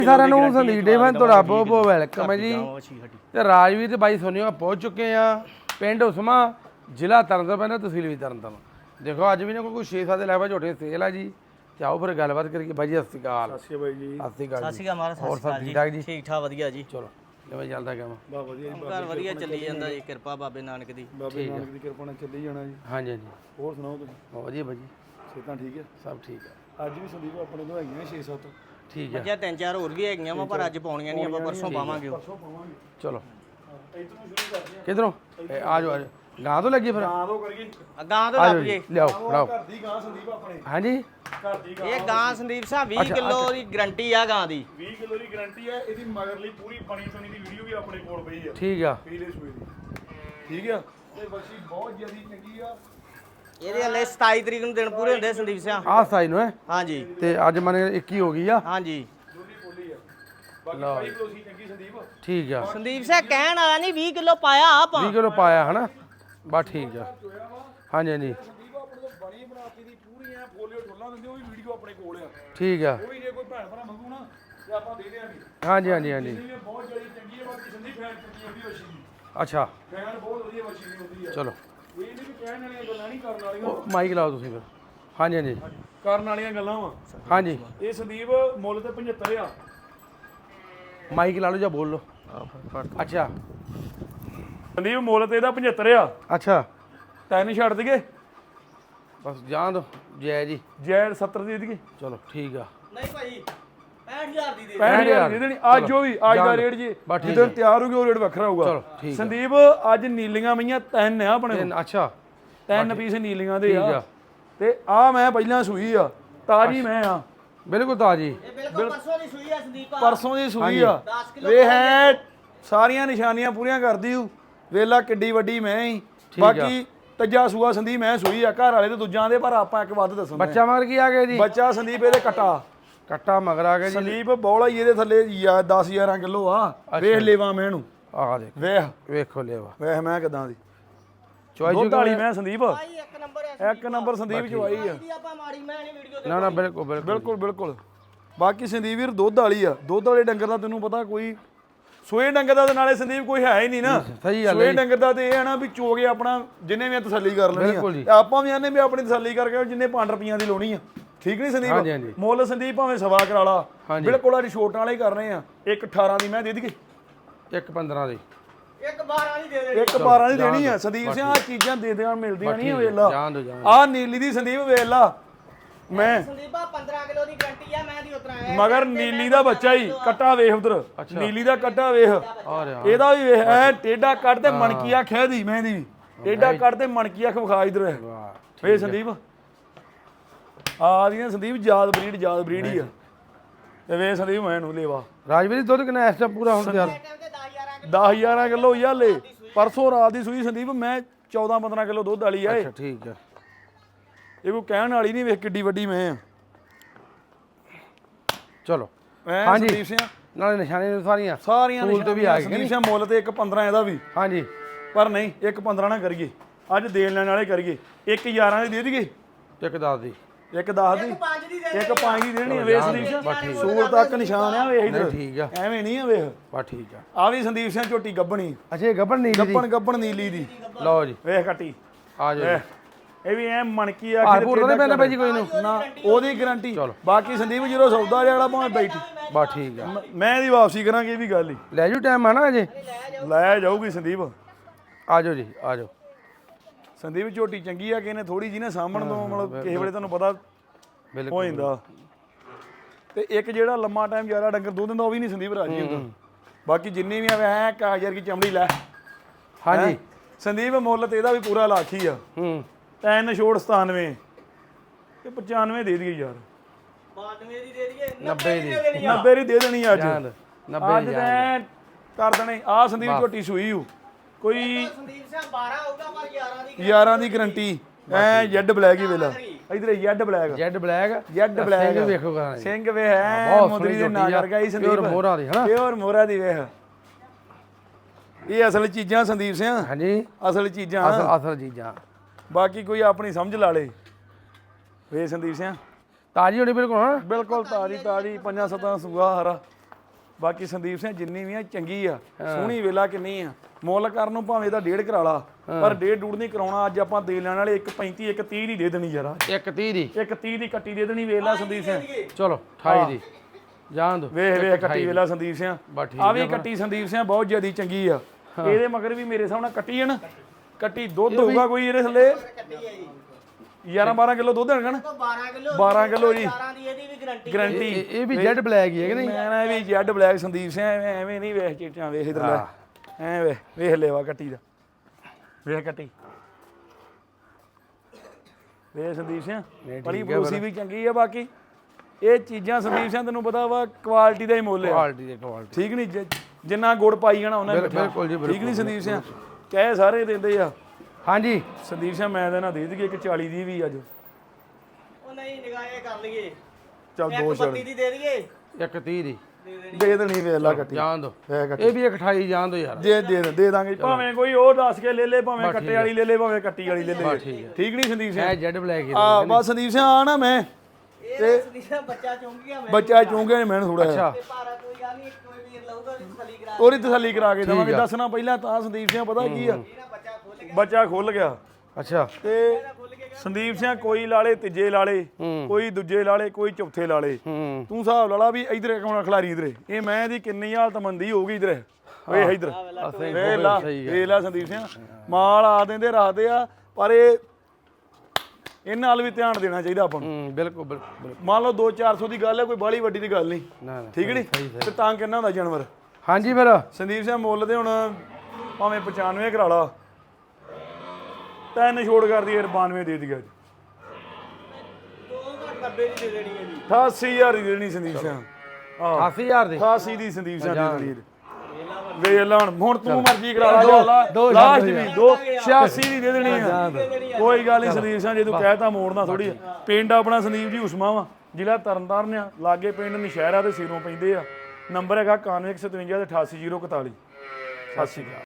ਸਾਰਿਆਂ ਨੂੰ ਸੰਦੀਪ ਡੇਵਨ ਤੁਹਾਡਾ ਬਹੁਤ ਬਹੁਤ ਵੈਲਕਮ ਹੈ ਜੀ। ਤੇ ਰਾਜਵੀਰ ਤੇ ਬਾਈ ਸੋਨੀਆ ਪਹੁੰਚ ਚੁੱਕੇ ਆ ਪਿੰਡ ਉਸਮਾ ਜ਼ਿਲ੍ਹਾ ਤਰਨਤਾਰਨ ਤਹਿਸੀਲ ਵੀ ਤਰਨਤਾਰਨ। ਦੇਖੋ ਅੱਜ ਵੀ ਨਾ ਕੋਈ 6-7 ਦੇ ਲੈਵਾ ਝੋਟੇ ਸੇਲ ਆ ਜੀ। ਤੇ ਆਓ ਫਿਰ ਗੱਲਬਾਤ ਕਰੀਏ ਬਾਈ ਜੀ। ਸਤਿ ਸ਼੍ਰੀ ਅਕਾਲ। ਸਤਿ ਸ਼੍ਰੀ ਅਕਾਲ ਜੀ। ਸਤਿ ਸ਼੍ਰੀ ਅਕਾਲ। ਸਤਿ ਸ਼੍ਰੀ ਅਕਾਲ ਮਾਰਾ। ਹੋਰ ਸਭ ਠੀਕ ਠਾਕ ਜੀ? ਠੀਕ ਠਾਕ ਵਧੀਆ ਜੀ। ਚਲੋ ਕਿਵੇਂ ਚੱਲਦਾ ਕੰਮ? ਬਾ ਵਧੀਆ ਜੀ। ਘਰ ਵਧੀਆ ਚੱਲੀ ਜਾਂਦਾ ਜੀ, ਕਿਰਪਾ ਬਾਬੇ ਨਾਨਕ ਦੀ। ਬਾਬੇ ਨਾਨਕ ਦੀ ਕਿਰਪਾ ਨਾਲ ਚੱਲੀ ਜਾਣਾ ਜੀ। ਹਾਂਜੀ ਹਾਂਜੀ ਹੋਰ ਸੁਣਾਓ ਤੁਸੀਂ? ਬਹੁਤ ਵਧੀਆ ਬਾਈ ਜੀ। ਸਿਹਤਾਂ ਠੀਕ ਹੈ? ਸਭ ਠੀਕ ਹੈ। ਅੱਜ ਵੀ ਸੰਦੀਪ ਆਪਣੇ ਤੋਂ ਹੈਗੀਆਂ 6-7। ਠੀਕ ਹੈ। ਮੱਝਾਂ 3-4 ਹੋਰ ਵੀ ਹੈਗੀਆਂ ਵਾ ਪਰ ਅੱਜ ਪਾਉਣੀਆਂ ਨਹੀਂ, ਆਪਾਂ ਪਰਸੋਂ ਪਾਵਾਂਗੇ। ਪਰਸੋਂ ਪਾਵਾਂਗੇ। ਚਲੋ ਇੱਧਰੋਂ ਸ਼ੁਰੂ ਕਰਦੇ ਹਾਂ। ਕਿਧਰੋਂ? ਆ ਜਾਓ ਆ ਜਾਓ। ਗਾਂ ਤੋਂ ਲੱਗੀ ਫਿਰ? ਗਾਂ ਤੋਂ ਕਰੀਏ। ਗਾਂ ਤੋਂ ਆ ਲੱਗ ਜਾਓ ਜੇ। ਜੀ, ਲਿਆਓ ਫੜਾਓ। ਘਰ ਦੀ ਗਾਂ ਸੰਦੀਪ ਆਪਣੇ। ਹਾਂਜੀ ਘਰ ਦੀ ਗਾਂ। ਇਹ ਗਾਂ ਸੰਦੀਪ ਸਾਹਿਬ 20 ਕਿਲੋ ਦੀ ਗਰੰਟੀ ਆ ਗਾਂ ਦੀ। 20 ਕਿਲੋ ਦੀ ਗਾਰੰਟੀ ਹੈ। ਇਹਦੀ ਮਗਰਲੀ ਪੂਰੀ ਬਣੀ ਸੁਣੀ ਦੀ ਵੀਡੀਓ ਵੀ ਆਪਣੇ ਕੋਲ ਪਈ ਆ। ਠੀਕ ਆ। ਪੀਲੇ ਸੂਏ ਦੀ। ਠੀਕ ਆ। ਤੇ ਬੱਚੀ ਬਹੁਤ ਜਿਆਦੀ ਚੰਗੀ ਆ। ਇਹਦੇ ਹਲੇ 27 ਤਰੀਕ ਨੂੰ ਦਿਨ ਪੂਰੇ ਹੁੰਦੇ ਸੰਦੀਪ ਸਿੰਘ। ਆਹ ਸਾਈ ਨੂੰ ਹੈ ਹਾਂਜੀ ਤੇ ਅੱਜ ਮਨੇ 21 ਹੋ ਗਈ ਆ। ਹਾਂਜੀ ਦੋਲੀ ਬੋਲੀ ਆ। ਬਾਕੀ ਭਾਈ ਪਲੋਸੀ ਚੰਗੀ ਸੰਦੀਪ। ਠੀਕ ਆ। ਸੰਦੀਪ ਸਿੰਘ ਕਹਿਣ ਆਇਆ ਨਹੀਂ 20 ਕਿਲੋ ਪਾਇਆ ਆਪਾਂ। 20 ਕਿਲੋ ਪਾਇਆ ਹਨਾ। ਬਸ ਠੀਕ ਆ। ਹਾਂਜੀ ਹਾਂਜੀ ਸੰਦੀਪ ਆਪਣੇ ਤੋਂ ਬਣੀ ਬਣਾਤੀ ਦੀ ਪੂਰੀ ਐ ਫੋਲੀਓ ਠੋਲਾਂ ਦਿੰਦੇ, ਉਹ ਵੀ ਵੀਡੀਓ ਆਪਣੇ ਕੋਲ ਆ। ਠੀਕ ਆ। ਉਹ ਵੀ ਜੇ ਕੋਈ ਭੈਣ ਭਰਾ ਮੰਗੂ ਨਾ ਤੇ ਆਪਾਂ ਦੇ ਦੇਾਂਗੇ। ਹਾਂਜੀ ਹਾਂਜੀ ਹਾਂਜੀ ਇਹ ਬਹੁਤ ਜਿਹੜੀ ਚੰਗੀ ਹੈ। ਬਾਕੀ ਸੰਦੀਪ ਫੈਨ ਚੰਗੀ ਹੁੰਦੀ ਵੱਛੀ ਦੀ। ਅੱਛਾ ਫੈਨ ਬਹੁਤ ਵਧੀਆ ਵੱਛੀ ਦੀ ਹੁੰਦੀ ਹੈ। ਚਲੋ ਇਹ ਨਹੀਂ ਵੀ ਕਹਿਣ ਵਾਲੀਆਂ ਗੱਲਾਂ ਨਹੀਂ ਕਰਨ ਵਾਲੀਆਂ। ਉਹ ਮਾਈਕ ਲਾਓ ਤੁਸੀਂ ਫਿਰ। ਹਾਂਜੀ ਹਾਂਜੀ ਕਰਨ ਵਾਲੀਆਂ ਗੱਲਾਂ ਵਾ। ਹਾਂਜੀ ਇਹ ਸੰਦੀਪ ਮੁੱਲ ਤੇ 75 ਆ। ਮਾਈਕ ਲਾ ਲਓ ਜਾਂ ਬੋਲ ਲਓ। ਅੱਛਾ ਸੰਦੀਪ ਮੁੱਲ ਤੇ ਇਹਦਾ 75 ਆ। ਅੱਛਾ ਤੈਨੂੰ ਛੱਡ ਦਈਏ ਬਸ ਜਾਣ ਦੋ ਜੈ ਜੀ। ਜੈ 70 ਦੇ ਦਈਏ। ਚਲੋ ਠੀਕ ਆ। ਨਹੀਂ ਭਾਈ 65000 ਦੀ ਦੇ। 65000 ਦੇ ਦੇਣੀ ਅੱਜ। ਉਹ ਵੀ ਅੱਜ ਦਾ ਰੇਟ ਜੀ ਜਦੋਂ ਤਿਆਰ ਹੋ ਗਿਆ ਉਹ ਰੇਟ ਵੱਖਰਾ ਹੋਊਗਾ। ਚਲੋ ਠੀਕ ਆ। ਸੰਦੀਪ ਅੱਜ ਨੀਲੀਆਂ ਮਈਆਂ 3 ਆ ਆਪਣੇ ਕੋਲ। ਅੱਛਾ 3 ਪੀਸ ਨੀਲੀਆਂ ਦੇ ਠੀਕ ਆ। ਆ। ਤੇ ਆ ਮੈਂ ਪਹਿਲਾਂ ਸੂਈ ਆ, ਤਾਜੀ ਮੈਂ ਆ। ਬਿਲਕੁਲ ਤਾਜੀ। ਇਹ ਬਿਲਕੁਲ ਪਰਸੋਂ ਦੀ ਸੂਈ ਆ ਸੰਦੀਪ। ਪਰਸੋਂ ਦੀ ਸੂਈ ਆ। 10 ਕਿਲੋ ਵੇ ਹੈ ਸਾਰੀਆਂ ਨਿਸ਼ਾਨੀਆਂ ਪੂਰੀਆਂ ਕਰਦੀ ਹੂੰ। ਵੇਲਾ ਕਿੱਡੀ ਵੱਡੀ ਮੈਂ ਹੀ। ਬਾਕੀ ਤੀਜਾ ਸੂਆ ਸੰਦੀਪ ਮੈਂ ਸੂਈ ਆ। ਘਰ ਵਾਲੇ ਤੇ ਦੂਜਾਂ ਦੇ ਪਰ ਆਪਾਂ ਇੱਕ ਵੱਧ ਦੱਸਣਾ। ਬੱਚਾ ਮਗਰ ਕੀ ਆ ਗਿਆ ਜੀ? ਬੱਚਾ ਸੰਦੀਪ ਇਹਦੇ ਕੱਟਾ ਮਗਰ ਆ ਗਿਆ ਜੀ। ਸੰਦੀਪ ਬੌਲਾ ਹੀ ਇਹਦੇ ਥੱਲੇ 10-11 ਕਿਲੋ ਆ। ਵੇਖ ਲੇਵਾ ਮੈਂ ਇਹਨੂੰ। ਆ ਦੇਖ ਵੇਖੋ ਲੈਵਾ। ਵੇਖ ਮੈਂ ਕਿਦਾਂ ਦੀ ਚੁਆਈ ਦੁੱਧ ਵਾਲੀ ਮੈਂ ਸੰਦੀਪ। ਭਾਈ ਇੱਕ ਨੰਬਰ ਹੈ। ਇੱਕ ਨੰਬਰ ਸੰਦੀਪ ਚਵਾਈ ਆ। ਆਪਾਂ ਮਾੜੀ ਮੈਂ ਨਹੀਂ ਵੀਡੀਓ ਨਾ ਨਾ ਬਿਲਕੁਲ ਬਿਲਕੁਲ ਬਿਲਕੁਲ ਬਿਲਕੁਲ। ਬਾਕੀ ਸੰਦੀਪ ਵੀਰ ਦੁੱਧ ਵਾਲੀ ਆ। ਦੁੱਧ ਵਾਲੇ ਡੰਗਰ ਦਾ ਤੈਨੂੰ ਪਤਾ ਕੋਈ ਸੋਏ ਡੰਗਰ ਦਾ ਤੇ ਨਾਲੇ ਸੰਦੀਪ ਕੋਈ ਹੈ ਹੀ ਨਹੀਂ ਨਾ। ਸਹੀ ਗੱਲ ਸੋਏ ਡੰਗਰ ਦਾ ਤੇ ਇਹ ਹੈ ਨਾ ਵੀ ਚੋਗੇ ਆਪਣਾ ਜਿੰਨੇ ਵੀ ਤਸੱਲੀ ਕਰ ਲੈਣੀ ਬਿਲਕੁਲ ਜੀ। ਆ। ਆਪਾਂ ਵੀ ਆਨੇ ਵੀ ਆਪਣੀ ਤਸੱਲੀ ਕਰਕੇ ਜਿੰਨੇ 5 ਰੁਪਈਆਂ ਦੀ ਲਾਉਣੀ ਆ। ਠੀਕ ਨਹੀਂ ਹਾਂਜੀ, ਸੰਦੀਪ? ਹਾਂਜੀ। ਮੁੱਲ ਸੰਦੀਪ ਭਾਵੇਂ ਸਵਾ ਕਰਾ ਲਾ। ਹਾਂਜੀ। ਬਿਲਕੁਲ ਅੱਜ ਛੋਟਾਂ ਵਾਲੇ ਹੀ ਕਰਨੇ ਆ। ਇੱਕ 18 ਦੀ ਮੈਂ ਦੇ ਦਈਏ। ਇੱਕ 15 ਦੀ। ਇੱਕ 12 ਦੀ ਦੇ ਦੇ। ਇੱਕ 12 ਦੀ ਦੇਣੀ ਆ ਸੰਦੀਪ ਸਿੰਘ। ਆ ਚੀਜ਼ਾਂ ਦੇ ਦੇਣ ਮਿਲਦੀਆਂ ਨਹੀਂ ਵੇਲਾ। ਜਾਣ ਦੋ ਜਾਣ। ਆ ਨੀਲੀ ਦੀ ਸੰਦੀਪ ਵੇਲਾ ਮੈਂ ਸੰਦੀਪ ਆ 15 ਕਿਲੋ ਦੀ ਗਰੰਟੀ ਆ ਮੈਂ ਦੀ ਉਤਰਾ ਆਇਆ। ਮਗਰ ਨੀਲੀ ਦਾ ਬੱਚਾ ਹੀ ਕੱਟਾ ਵੇਖ ਉਧਰ। ਨੀਲੀ ਦਾ ਕੱਟਾ ਵੇਖ। ਆ ਰਿਹਾ ਇਹਦਾ ਵੀ ਵੇਖ ਐ ਟੇਡਾ ਕੱਟ ਤੇ ਮਣਕੀਆ ਖਹਿ ਦੀ ਮੈਂ ਦੀ ਵੀ। ਟੇਡਾ ਕੱਟ ਤੇ ਮਣਕੀਆ ਖਵਖਾ ਇਧਰ ਵਾਹ ਵੇ ਸੰਦੀਪ। ਆ ਦੀਆਂ ਸੰਦੀਪ ਜਾਦ ਬਰੀਡ ਹੀ ਆ। ਤੇ ਵੇ ਸੰਦੀਪ ਮੈਂ ਨੂੰ ਲੇਵਾ। ਰਾਜਵੀਰ ਦੁੱਧ ਕਿੰਨਾ ਇਸ ਟਾਈਮ ਪੂਰਾ ਹੁਣ ਤਿਆਰ? 10-11 ਕਿਲੋ ਹੀ ਆ ਲੈ। ਪਰਸੋਂ ਰਾਤ ਦੀ ਸੂਈ ਸੰਦੀਪ ਮੈਂ 14-15 ਕਿਲੋ ਦੁੱਧ ਵਾਲੀ ਆ। ਅੱਛਾ ਠੀਕ ਆ। ਇਹ ਕੋਈ ਕਹਿਣ ਵਾਲੀ ਨਹੀਂ। ਵੇਖ ਕਿੱਡੀ ਵੱਡੀ ਮੈਂ ਆ। ਚਲੋ ਮੈਂ ਸੰਦੀਪ ਸਿੰਘ ਨਾਲੇ ਨਿਸ਼ਾਨੇ ਸਾਰੀਆਂ ਸਾਰੀਆਂ ਤੋਂ ਵੀ ਆ ਗਏ ਸੰਦੀਪ ਸਿੰਘ ਮੁੱਲ ਤੇ 1.15 ਇਹਦਾ ਵੀ। ਹਾਂਜੀ ਪਰ ਨਹੀਂ 1.15 ਨਾ ਕਰੀਏ। ਅੱਜ ਦੇਣ ਲੈਣ ਵਾਲੇ ਕਰੀਏ। 1.11 ਦੀ ਦੇ ਦਈਏ। ਇੱਕ 10 ਦੀ। ਇੱਕ 10 ਦੀ 5 ਦੀ ਦੇ। ਇੱਕ 5 ਦੀ ਦੇਣੀ ਆ। ਵੇਖ ਸੰਦੀਪ ਸਿੰਘ ਸੂਰ ਤੱਕ ਨਿਸ਼ਾਨ ਆ। ਵੇਖ ਇਧਰ ਠੀਕ ਆ। ਐਵੇਂ ਨਹੀਂ ਆ। ਵੇਖ ਬਸ ਠੀਕ ਆ। ਆ ਵੀ ਸੰਦੀਪ ਸਿੰਘ ਝੋਟੀ ਗੱਬਣੀ। ਅੱਛਾ ਇਹ ਗੱਬਣ ਨੀਲੀ ਦੀ। ਗੱਬਣ ਨੀਲੀ ਦੀ। ਲਓ ਜੀ ਵੇਖ ਕੱਟੀ। ਆ ਜਾਓ ਜੀ। ਇਹ ਵੀ ਐ ਮਣਕੀ ਆ ਹਾਰਪੂਰ ਤਾਂ ਨਹੀਂ ਪੈਂਦਾ ਭਾਈ ਜੀ ਕੋਈ ਨੂੰ? ਨਾ ਉਹਦੀ ਗਾਰੰਟੀ। ਬਾਕੀ ਸੰਦੀਪ ਜਦੋਂ ਸੌਦਾ ਵਾਲਾ ਭਾਵੇਂ ਬੈਠੀ ਬਸ ਠੀਕ ਆ। ਮੈਂ ਇਹਦੀ ਵਾਪਸੀ ਕਰਾਂਗੇ ਇਹ ਵੀ ਗੱਲ ਹੀ। ਲੈ ਜਾਓ ਟਾਈਮ ਆ ਨਾ ਅਜੇ। ਲੈ ਜਾਊਗੀ ਸੰਦੀਪ। ਆ ਜਾਓ ਜੀ ਆ ਜਾਓ। ਸੰਦੀਪ ਝੋਟੀ ਚੰਗੀ ਆ ਕਿ ਇਹਨੇ ਥੋੜੀ ਜੀ ਨੇ ਸਾਂਭਣ ਤੋਂ ਮਤਲਬ ਕਿਸੇ ਵੇਲੇ ਤੁਹਾਨੂੰ ਪਤਾ ਹੋ ਜਾਂਦਾ। ਤੇ ਇੱਕ ਜਿਹੜਾ ਲੰਮਾ ਟਾਈਮ ਜ਼ਿਆਦਾ ਡੰਗਰ ਦੁੱਧ ਦਿੰਦਾ ਉਹ ਵੀ ਨਹੀਂ ਸੰਦੀਪ ਰਾਜੀ ਹੁੰਦਾ। ਬਾਕੀ ਜਿੰਨੇ ਵੀ ਆਵੇ ਐ ਕਾਗਜ਼ਰ ਕੀ ਚਮੜੀ ਲੈ। ਹਾਂਜੀ ਸੰਦੀਪ ਮੁੱਲ ਤੇ ਇਹਦਾ ਵੀ ਪੂਰਾ ਲੱਖ ਹੀ ਆ। ਤੈਨ ਛੋੜ 97 ਤੇ 95 ਦੇ ਦਈਏ ਯਾਰ। 92 ਦੀ ਦੇ ਦਈਏ। 90 ਦੀ। 90 ਦੀ ਦੇ ਦੇਣੀ ਅੱਜ। ਜਾਨ 90 ਅੱਜ ਤੈਂ ਕਰ ਦੇਣੇ। ਆ ਸੰਦੀਪ ਝੋਟੀ ਸੂਈ ਹੂ ਕੋਈ ਸੰਦੀਪ ਸਿੰਘ 12 ਹੋਊਗਾ ਪਰ 11 ਦੀ 11 ਦੀ ਗਰੰਟੀ। ਐ ਜੈਡ ਬਲੈਕ ਹੀ ਵੇਲਾ। ਇਧਰ Z black. Z black. Z black ਵੇਖੋ ਕਰਾਂ ਸਿੰਘ ਵੇ ਹੈ ਮੁੰਦਰੀ ਦੇ ਨਾਂ ਕਰ ਗਈ ਸੰਦੀਪ। ਪਿਓਰ ਮੋਹਰਾ ਦੀ ਹਨਾ। ਪਿਓਰ ਮੋਹਰਾ ਦੀ ਵੇਖ। ਇਹ ਅਸਲ ਚੀਜ਼ਾਂ ਸੰਦੀਪ ਸਿੰਘ। ਹਾਂਜੀ ਅਸਲ ਚੀਜ਼ਾਂ। ਅਸਲ ਚੀਜ਼ਾਂ। ਬਾਕੀ ਕੋਈ ਆਪਣੀ ਸਮਝ ਲਾ ਲੇ। ਵੇ ਸੰਦੀਪ ਸਿੰਘ ਤਾਜੀ ਹੋਣੀ ਬਿਲਕੁਲ ਹਾਂ। ਬਿਲਕੁਲ ਤਾਰੀ 5-7 ਸੂਆ ਹਰਾ। ਬਾਕੀ ਸੰਦੀਪ ਸਿੰਘ ਜਿੰਨੀ ਵੀ ਆ ਚੰਗੀ ਆ ਸੋਹਣੀ ਵੇਲਾ ਕਿੰਨੀ ਆ ਮੁੱਲ ਕਰਨ ਨੂੰ ਭਾਵੇਂ ਇਹਦਾ 1.5 ਕਰਾ ਲਾ ਪਰ 1.5 ਡੂੜ ਨਹੀਂ ਕਰਾਉਣਾ ਅੱਜ ਆਪਾਂ ਦੇ ਲੈਣ ਵਾਲੇ 1.35 1.30 ਦੀ ਦੇ ਦੇਣੀ ਯਾਰ 130 ਦੀ 1.30 ਦੀ ਕੱਟੀ ਦੇ ਦੇਣੀ ਵੇਲਾ ਸੰਦੀਪ ਸਿੰਘ ਚਲੋ 28 ਦੀ ਜਾਣ ਦੋ ਵੇਖ ਕੱਟੀ ਵੇਲਾ ਸੰਦੀਪ ਸਿੰਘ ਬਸ ਠੀਕ ਆ ਵੀ ਕੱਟੀ ਸੰਦੀਪ ਸਿੰਘ ਬਹੁਤ ਜ਼ਿਆਦੀ ਚੰਗੀ ਆ ਇਹਦੇ ਮਗਰ ਵੀ ਮੇਰੇ ਹਿਸਾਬ ਨਾਲ ਕੱਟੀ ਹੈ ਨਾ ਕੱਟੀ ਦੁੱਧ ਹੋਊਗਾ ਕੋਈ ਇਹਦੇ ਥੱਲੇ 11-12 ਕਿਲੋ ਦੁੱਧ ਹੋਣਗਾ ਨਾ 12 ਕਿਲੋ ਜੀ 12 ਦੀ ਇਹਦੀ ਵੀ ਗਾਰੰਟੀ ਗਰੰਟੀ ਇਹ ਵੀ ਜੈਡ ਬਲੈਕ ਹੀ ਹੈ ਕਿ ਨਹੀਂ ਮੈਂ ਨਾ ਵੀ ਜੈਡ ਬਲੈਕ ਸੰਦੀਪ ਸਿੰਘ ਐਵੇਂ ਨਹੀਂ ਵੇਖ ਚੀਟਾਂ ਵੇਖ ਇਧਰ ਲੈ ਐ ਵੇਖ ਲੈਵਾ ਕੱਟੀ ਦਾ ਵੇਖ ਕੱਟੀ ਵੇਖ ਸੰਦੀਪ ਸਿੰਘ ਬੜੀ ਬਰੂਸੀ ਵੀ ਚੰਗੀ ਆ ਬਾਕੀ ਇਹ ਚੀਜ਼ਾਂ ਸੰਦੀਪ ਸਿੰਘ ਤੈਨੂੰ ਪਤਾ ਵਾ ਕੁਆਲਿਟੀ ਦਾ ਹੀ ਮੁੱਲ ਆ ਕੁਆਲਿਟੀ ਦੇ ਕੁਆਲਿਟੀ ਠੀਕ ਨਹੀਂ ਜਿੰਨਾ ਗੁੜ ਪਾਈ ਜਾਣਾ ਉਹਨਾਂ ਬਿਲਕੁਲ ਜੀ ਠੀਕ ਨਹੀਂ ਸੰਦੀਪ ਸਿੰਘ ਕਹੇ ਸਾਰੇ ਦਿੰਦੇ ਆ ਹਾਂਜੀ ਸੰਦੀਪ ਸਿੰਘ ਮੈਂ ਤਾਂ ਨਾ ਦੇ ਦਈਏ ਇੱਕ 40 ਦੀ ਵੀ ਅੱਜ ਉਹ ਨਹੀਂ ਨਿਗਾਹੇ ਕਰ ਲਈਏ ਚੱਲ ਦੋ 32 ਦੀ ਦੇ ਦਈਏ 130 ਦੀ ਦੇ ਦੇਣੀ ਵੇਖ ਲਾ ਕੱਟੀ ਜਾਣ ਦੋ ਇਹ ਕੱਟੀ ਇਹ ਵੀ 28 ਜਾਣ ਦੋ ਯਾਰ ਦੇ ਦਾਂਗੇ ਭਾਵੇਂ ਕੋਈ ਉਹ ਦੱਸ ਕੇ ਲੈ ਲੈ ਭਾਵੇਂ ਕੱਟੇ ਵਾਲੀ ਲੈ ਲੈ ਭਾਵੇਂ ਕੱਟੀ ਵਾਲੀ ਲੈ ਲੈ ਠੀਕ ਨਹੀਂ ਸੰਦੀਪ ਸਿੰਘ ਇਹ ਜੈਡ ਬਲੈਕ ਹੀ ਆ ਬਸ ਸੰਦੀਪ ਸਿੰਘ ਆ ਨਾ ਮੈਂ ਇਹ ਸੰਦੀਪ ਬੱਚਾ ਚੁੰਗ ਗਿਆ ਮੈਂ ਬੱਚਾ ਚੂੰਗੇ ਨੇ ਮੈਨੂੰ ਥੋੜਾ ਅੱਛਾ ਤੇ ਭਾਰਾ ਕੋਈ ਗੱਲ ਨਹੀਂ ਕੋਈ ਵੀਰ ਲਊਗਾ ਉਹਦੀ ਤਸੱਲੀ ਕਰਾ ਉਹਦੀ ਤਸੱਲੀ ਕਰਾ ਕੇ ਦਵਾਂਗੇ ਦੱਸਣਾ ਪਹਿਲਾਂ ਤਾਂ ਸੰਦੀਪ ਸਿੰਘ ਪਤਾ ਕੀ ਆ ਦੇਣਾ ਬੱਚਾ ਖੁੱਲ ਗਿਆ ਬੱਚਾ ਖੁੱਲ ਗਿਆ ਅੱਛਾ ਤੇ ਸੰਦੀਪ ਸਿੰਘ ਕੋਈ ਲਾਲੇ ਤੀਜੇ ਲਾਲੇ ਕੋਈ ਦੂਜੇ ਲਾਲੇ ਕੋਈ ਚੌਥੇ ਲਾਲੇ ਹੂੰ ਤੂੰ ਹਿਸਾਬ ਲਾ ਲਾ ਵੀ ਇਧਰੇ ਕੌਣ ਖਿਲਾਰੀ ਇਧਰੇ ਇਹ ਮੈਂ ਦੀ ਕਿੰਨੀ ਹਾਲਤ ਮੰਦੀ ਹੋਊਗੀ ਇਧਰੇ ਵੇਖ ਇਧਰ ਵੇਖ ਲਾ ਵੇਖ ਲਾ ਸੰਦੀਪ ਸਿੰਘ ਮਾਲ ਆ ਦਿੰਦੇ ਰੱਖਦੇ ਆ ਪਰ ਇਹਨਾਂ ਨਾਲ ਵੀ ਧਿਆਨ ਦੇਣਾ ਚਾਹੀਦਾ ਆਪਾਂ ਨੂੰ ਬਿਲਕੁਲ ਬਿਲਕੁਲ ਮੰਨ ਲਓ 2-400 ਦੀ ਗੱਲ ਹੈ ਕੋਈ ਬਾਹਲੀ ਵੱਡੀ ਦੀ ਗੱਲ ਨਹੀਂ ਨਾ ਨਾ ਠੀਕ ਨਹੀਂ ਤੇ ਤਾਂ ਕਿੰਨਾ ਹੁੰਦਾ ਜਾਨਵਰ ਹਾਂਜੀ ਫਿਰ ਸੰਦੀਪ ਸਿੰਘ ਮੁੱਲ ਦੇ ਹੁਣ ਭਾਵੇਂ 95 ਕਰਾ ਲਾ ਤਿੰਨ ਛੋੜ ਕਰਦੀ 92 ਦੇ ਦਿਆ 90 ਦੀ ਦੇ ਦੇਣੀ ਹੈ ਜੀ 88000 ਦੀ ਦੇਣੀ ਸੰਦੀਪ ਸਿੰਘ 80000 ਦੀ 88 ਦੀ ਸੰਦੀਪ ਸਿੰਘ ਦੀ ਦੇਣੀ ਵੇਖ ਲਾ ਹੁਣ ਤੂੰ ਮਰਜ਼ੀ ਕਰਾ ਲਾ ਲਾਸਟ ਵੀ 86 ਦੀ ਦੇ ਦੇਣੀ ਆ ਕੋਈ ਗੱਲ ਨਹੀਂ ਸੰਦੀਪ ਸਿੰਘ ਜੇ ਤੂੰ ਕਹਿਤਾ ਮੋੜਨਾ ਥੋੜੀ ਪਿੰਡ ਆਪਣਾ ਸੰਦੀਪ ਜੀ ਉਸਮਾ ਵਾ ਜ਼ਿਲ੍ਹਾ ਤਰਨਤਾਰਨ ਆ ਲਾਗੇ ਪਿੰਡ ਨਸ਼ਹਿਰਾ ਦੇ ਸਿਰੋਂ ਪੈਂਦੇ ਆ ਨੰਬਰ ਹੈਗਾ 9157 ਤੇ 88041 ਸਤਿ ਸ਼੍ਰੀ ਅਕਾਲ।